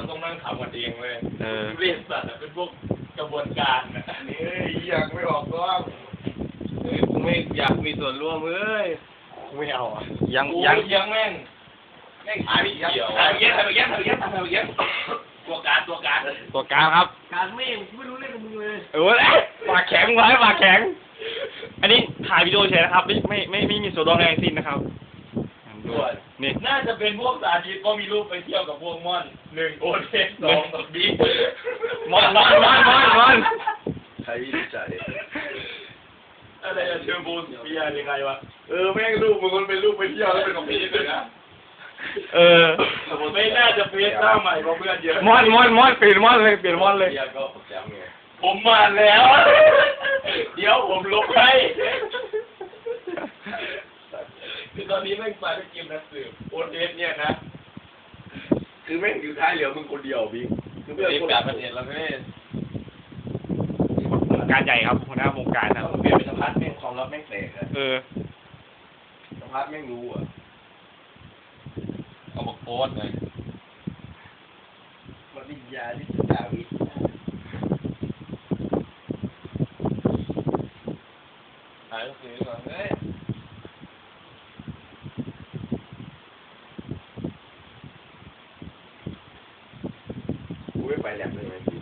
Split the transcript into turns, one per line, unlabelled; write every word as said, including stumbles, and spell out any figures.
ต้องนั่งทำกันเองเลย
เออ
เรียนสัตว์เป็นพวกกระบวนการนะนี่อยากไม่ออกก็เฮ้ยกูไม่อยากมีส่วนร่วมเอ้ยไม่เอาอ่ะ
ยัง
กู
ยัง
ยังแม่งแม่งหายไม่เกี่ยวหายไปเย็นหายไปเย็นหายไปเย็นหายไปเย็นตัวการตัวการ
ตัวกลางครับ
การแม่งไม่รู้เรื่องกับมึงเลย
เออปากแข็งไว้ปากแข็ง อันนี้ถ่ายวิดีโอเฉยนะครับ ไม่ไม่ไม่ไม่มีส่วนร่วมอะไรทั้งสิ้นนะครับ
ด้วย
นี่
น่าจะเป็นพวกสาธิตก็มีรูปไปเที่ยวกับพวกม่อนหนึ่งโอเทสสองกับบิ๊ก
มอนมอนมอนมอนมอน
ใครวิจัย
อะไรอะเทอร์โบสเปียร์ยังไงวะเออแม่งรูปมึงมันเป็นรูปไปเที่ยวแล้วเป็นของพี่เลยนะ
เออ
ไม่น่าจะเฟซหน้าใหม่เพราะเพื่อนเยอะ
มอนมอนมอนเปลี่ยนมอนเลยเปลี่ยนมอนเลย
เบียร์ก็แจ๋วไง
ผมมาแล้ว เดี๋ยวผมลบให้คือตอนนี้แม่งไปไปกินนักสืบโอเทสเนี่ยนะ
คือแม่งอยู่ท้ายเหลือมึงคนเดียวบิ๊กคือ
เปลี่
เพื่อน
ยน
คน
การประเทศแล้วไม่
วงการใหญ่ครับหัวหน้าวงการนะ
ต้องเปลี่ยนเป็นสพัดแม่งความลับแม่งแตกอะ
เออ
สพัดแม่งรู้อ่ะ
เอามาโพสเลย
มันวิญญาณที่สุดาวิทย์
หายหนังสือก่อนเฮ้ย
กูไม่ไปแลบเลยไหมพี่